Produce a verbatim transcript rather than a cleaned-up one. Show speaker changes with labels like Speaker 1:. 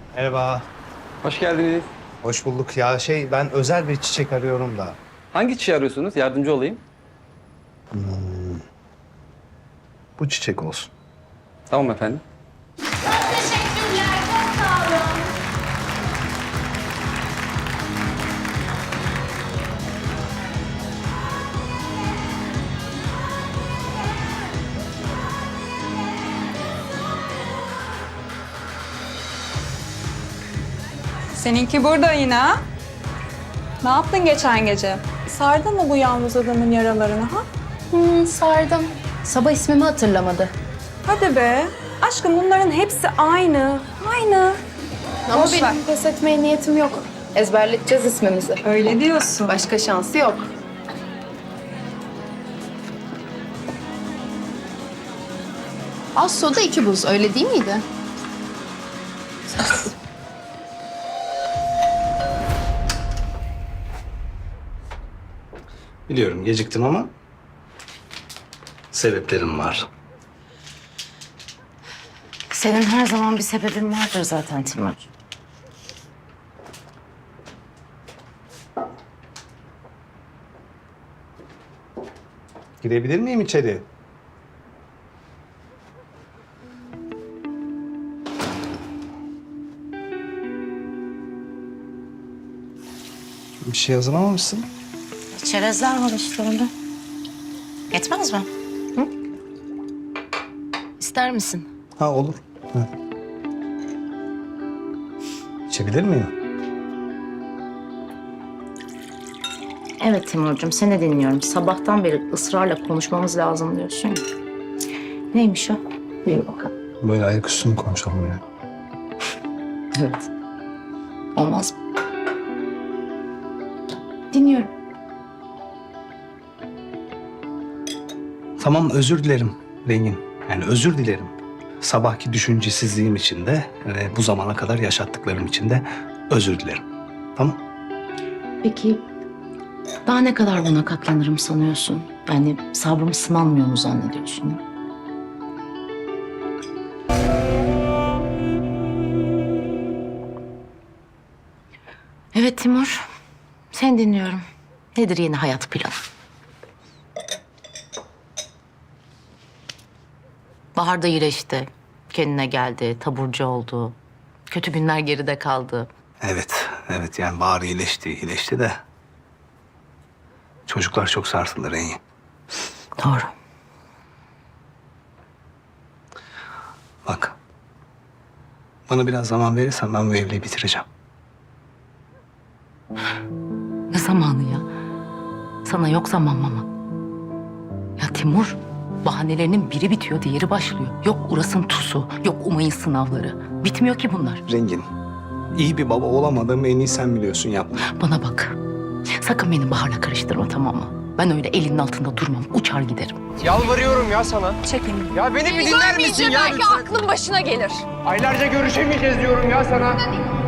Speaker 1: Merhaba.
Speaker 2: Hoş geldiniz.
Speaker 1: Hoş bulduk. Ya şey ben özel bir çiçek arıyorum da.
Speaker 2: Hangi çiçeği arıyorsunuz? Yardımcı olayım.
Speaker 1: Bu çiçek olsun.
Speaker 2: Tamam efendim.
Speaker 3: Çok teşekkürler, çok sağ olun.
Speaker 4: Seninki burada yine ha? Ne yaptın geçen gece? Sardın mı bu yalnız adamın yaralarını ha?
Speaker 5: Hmm, sardım. Sabah ismimi hatırlamadı.
Speaker 4: Hadi be. Aşkım bunların hepsi aynı. Aynı.
Speaker 5: Ama
Speaker 4: Boş
Speaker 5: benim
Speaker 4: ver.
Speaker 5: pes etmeye niyetim yok. Ezberleteceğiz ismimizi.
Speaker 4: Öyle diyorsun.
Speaker 5: Başka şansı yok. Az soda iki buz, öyle değil miydi?
Speaker 1: Biliyorum geciktim ama sebeplerim var.
Speaker 6: Senin her zaman bir sebebin vardır zaten Timur.
Speaker 1: Girebilir miyim içeri? Bir şey hazırlamamışsın.
Speaker 6: Çerezler var işte orada. Yetmez mi? Hı? İster misin?
Speaker 1: Ha olur. Ha. İçebilir miyim?
Speaker 6: Evet Timurcuğum, seni dinliyorum. Sabahtan beri ısrarla konuşmamız lazım diyorsun ya. Neymiş o? Buyur bakalım.
Speaker 1: Böyle ayaküstü mü konuşalım ya?
Speaker 6: Evet. Olmaz mı? Dinliyorum.
Speaker 1: Tamam özür dilerim Rengin. Yani özür dilerim. Sabahki düşüncesizliğim için de ve bu zamana kadar yaşattıklarım için de özür dilerim. Tamam?
Speaker 6: Peki daha ne kadar buna katlanırım sanıyorsun? Yani sabrım sınanmıyor mu zannediyorsun? Ya? Evet Timur, seni dinliyorum. Nedir yeni hayat planı? Bahar da iyileşti. Kendine geldi, taburcu oldu. Kötü günler geride kaldı.
Speaker 1: Evet, evet yani Bahar iyileşti, iyileşti de çocuklar çok sarsıldı Rengin.
Speaker 6: Doğru.
Speaker 1: Bak, bana biraz zaman verirsen ben bu evliliği bitireceğim.
Speaker 6: Ne zamanı ya? Sana yok zaman mama. Ya Timur, bahanelerinin biri bitiyor, diğeri başlıyor. Yok Uras'ın tusu, yok Umay'ın sınavları. Bitmiyor ki bunlar.
Speaker 1: Rengin, iyi bir baba olamadığımı en iyi sen biliyorsun yapma.
Speaker 6: Bana bak. Sakın beni Bahar'la karıştırma, tamam mı? Ben öyle elinin altında durmam, uçar giderim.
Speaker 7: Yalvarıyorum ya sana.
Speaker 4: Çekin.
Speaker 7: Ya beni bir dinler misin ya
Speaker 5: belki
Speaker 7: lütfen?
Speaker 5: aklın başına gelir.
Speaker 7: Aylarca görüşemeyeceğiz diyorum ya sana.